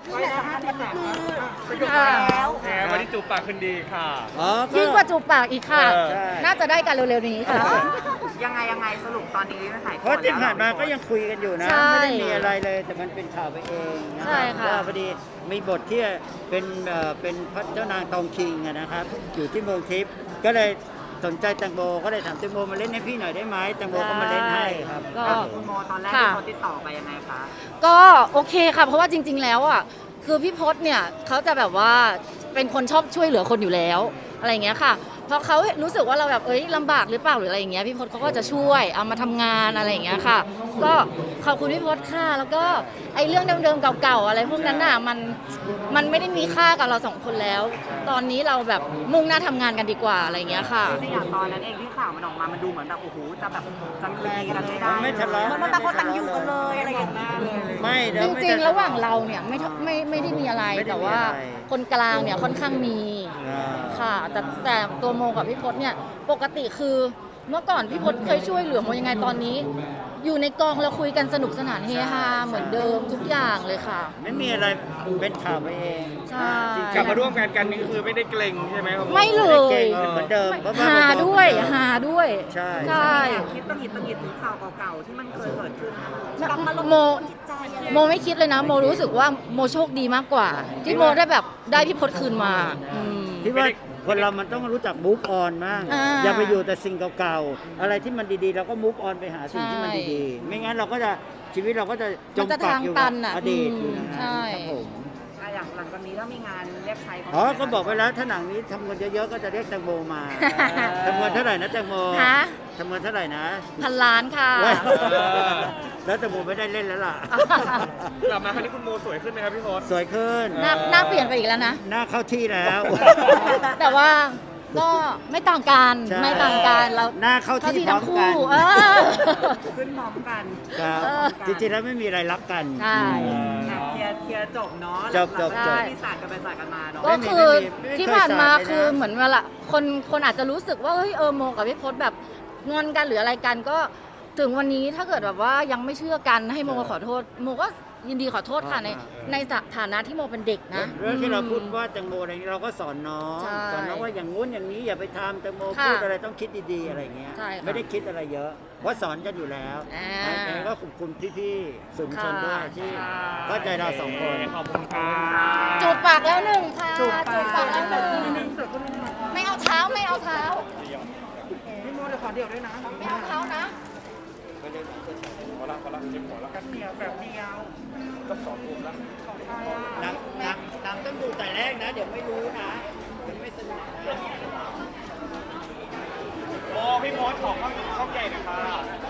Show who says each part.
Speaker 1: นี่แหละสำคัญที่สุดคือ
Speaker 2: ค่ะ
Speaker 1: แล้ว
Speaker 3: แหมวันนี้จูบปากขึ้นดีค่ะ
Speaker 4: อ๋อ
Speaker 2: ยิ่งกว่าจูบปากอีกค่ะ
Speaker 4: ใช่
Speaker 2: น่าจะได้กันเร็วๆนี้ค่ะ
Speaker 1: ยังไงสรุปตอนนี้ไม่ถ่าย
Speaker 4: เพราะที่ผ่านมาก็ยังคุยกันอยู่นะ
Speaker 2: ใช่
Speaker 4: ไม่ได้มีอะไรเลยแต่มันเป็นข่าวไปเองนะ
Speaker 2: ใช่ค่ะ
Speaker 4: ว่าพอดีมีบทที่เป็นพระเจ้านางตองคิงอะนะครับ อยู่ที่เมืองทิพย์ก็เลยสนใจแตงโมก็เลยถามแตงโมมาเล่นให้พี่หน่อยได้ไหมแตงโมก็มาเล่นให้ครับ
Speaker 2: ก็
Speaker 1: คุณโมตอนแรก
Speaker 2: ค่ะ
Speaker 1: ที่เขาติดต่อไปยังไงคะ
Speaker 2: ก็โอเคค่ะ เพราะว่าจริง ๆ แล้วอ่ะคือพี่พศเนี่ยเขาจะแบบว่าเป็นคนชอบช่วยเหลือคนอยู่แล้วอะไรอย่างเงี้ยค่ะพอเขารู้สึกว่าเราแบบลำบากหรือเปล่าหรืออะไรอย่างเงี้ยพี่พศเขาก็จะช่วยเอามาทำงานอะไรอย่างเงี้ยค่ะ ก็ขอบคุณพี่พศค่ะแล้วก็ไอ้เรื่องเดิมๆเก่าๆอะไรพวกนั้นน่ะมันไม่ได้มีค่ากับเราสองคนแล้ว ตอนนี้เราแบบมุ่งหน้าทำงานกันดีกว่าอะไรอย่างเงี้ยค่ะ
Speaker 1: จริงๆอย่างตอนนั้นเองที่ข่าวมันออกมามันดูเหมือนแบบโอ้โหจะแบบจะเคลียร์กันไม่ได้
Speaker 4: ไม่ทะเลาะ
Speaker 1: มันแบบคนตันอยู่กันเลยอะไรอย่างเงี้ย
Speaker 4: ไม่เดี๋ย
Speaker 2: จ
Speaker 4: วไม่
Speaker 2: ริง
Speaker 4: ได้
Speaker 2: ๆ ระหว่างเราเนี่ยไม่ได้มีอะไร
Speaker 4: ไม่ได้มีอะไร
Speaker 2: แต่ว่าคนกลางเนี่ยค่อนข้างมี
Speaker 4: อ่า
Speaker 2: ค่ะแต่ตัวโมกับพี่พศเนี่ยปกติคือเมื่อก่อนพี่พศเคยช่วยเหลือโมยังไงตอนนี้ อยู่ในกองเราคุยกันสนุกสนานเฮฮาเหมือนเดิมทุกอย่างเลยค่ะ
Speaker 4: ไม่มีอะไรเป็นข่าวไปเอง
Speaker 2: ใช่
Speaker 3: กลับมาร่วมงานกันนี่คือไม่ได้เกรงใช่ไหมครับ
Speaker 2: ไม่เล
Speaker 4: เก่
Speaker 2: ย
Speaker 4: งเหมือนเดิมเพราะว่า
Speaker 2: หาด้วยหาด้วย
Speaker 4: ใช่
Speaker 2: ใช่
Speaker 1: คิดตังหิดถึงข่าวเก่าๆที่มันเคยเกิดขึ้นนะคะ
Speaker 2: โมไม่คิดเลยนะโมรู้สึกว่าโมโชคดีมากกว่า ที่โมได้แบบได้พี่พศคืนมาอืม
Speaker 4: ที่ว่าคนเรามันต้องรู้จักมูฟออนมาก
Speaker 2: อ่า
Speaker 4: อย่าไปอยู่แต่สิ่งเก่าๆ อะไรที่มันดีๆ เราก็มูฟออนไปหาสิ่งที่มัน
Speaker 2: ใช่
Speaker 4: ดีๆ ไม่งั้นเราก็จะชีวิตเราก็จะจ
Speaker 2: มั
Speaker 4: ม
Speaker 2: นจะ
Speaker 4: ปัก
Speaker 2: ทาง
Speaker 4: อยู่
Speaker 2: ตั
Speaker 4: กับ
Speaker 2: นอะ
Speaker 4: อดีต
Speaker 2: อืม
Speaker 4: อยู่อย่างนั้น
Speaker 2: ใช่
Speaker 4: ครับผม
Speaker 1: อย่างหลังจากนี้ถ้ามีงานเรียกใคร
Speaker 4: อ๋อก็บอกไว้แล้วถ้าหนังนี้ทำเงินเยอะๆ ก็จะเรียกแตงโมมาทำเงินเท่าไหร่นะแตงโม
Speaker 2: ฮะ
Speaker 4: ทำเงินเท่าไหร่นะ
Speaker 2: 1,000 ล้านค่ะ
Speaker 4: เว้ยแล้วแตงโมไม่ได้เล่นแล้วล่ะ
Speaker 3: กลับมาครั้งนี้คุณโมสวยขึ้นไหมครับพี่พศ
Speaker 4: สวยขึ้น
Speaker 2: หน้าเปลี่ยนไปอีกแล้วนะ
Speaker 4: หน้าเข้าที่แล้ว
Speaker 2: แต่ว่าก็ไม่ต่างกัน
Speaker 4: ใช่
Speaker 2: ไม่ต่างกันเรา
Speaker 4: หน้าเข้าที่พร้อ
Speaker 2: ทั้
Speaker 4: ม
Speaker 2: ง
Speaker 4: กั
Speaker 2: คู่
Speaker 4: น
Speaker 1: ขึ้นพร้อมกัน
Speaker 4: ครับ
Speaker 2: เออ
Speaker 4: จริงๆแล้วไม่มีอะไรรับกัน
Speaker 2: ใช่
Speaker 1: เคลียร์จบเนาะ
Speaker 4: จบ
Speaker 1: ที่ศาสตร์กันไปศาสตร์กันมาเนาะ
Speaker 2: ก็คือ
Speaker 4: ไม่เคย
Speaker 2: ที่ผ่านมา
Speaker 4: สาดเลยนะ
Speaker 2: คือเหมือนเวลาคนอาจจะรู้สึกว่าเฮ้ยโมกับพี่พศแบบงอนกันหรืออะไรกันก็ถึงวันนี้ถ้าเกิดแบบว่ายังไม่เชื่อกันให้โมขอโทษโมก็ยินดีขอโทษค่ะในฐานะที่โมเป็นเด็กนะ
Speaker 4: เรื่องที่เราพูดว่าแตงโมอะไรนี้เราก็สอนน้อง
Speaker 2: ใช่
Speaker 4: สอนน้องว่าอย่างงู้นอย่างนี้อย่าไปทำแตงโม
Speaker 2: ค่ะ
Speaker 4: พูดอะไรต้องคิดดีๆอะไรเงี้ย
Speaker 2: ใช่ค่ะ
Speaker 4: ไม่ได้คิดอะไรเยอะเพราะสอนกันอยู่แล้ว
Speaker 2: อ่า
Speaker 4: ยังไงก็ขอบคุณพี่ๆสื่อมวลชนด้วยที่
Speaker 2: ค่ะ
Speaker 4: เข้าใจเราสองคน
Speaker 3: ขอบคุณค่ะ
Speaker 2: จูบปากแล้วหนึ่งค่ะ
Speaker 1: จูบปาก
Speaker 2: ปากแล้วหนึ่งไม่เอาเท้าไม่เอาเท้า
Speaker 1: พี่โมเดี๋ยวขอเดี่ยวด้วยนะ
Speaker 2: ไม่เอาเท้านะ
Speaker 3: ขอละเจ็บหัวละ
Speaker 1: กันเดี่ยวแบบเดียว
Speaker 3: ต้องสองมุมละ
Speaker 4: หนังต้องดูแต่แรกนะ เดี๋ยวไม่รู้นะเดี๋ยวไม่สนุกนะ
Speaker 3: โมพี่พศของข้าวใหญ่หน่อยค่ะ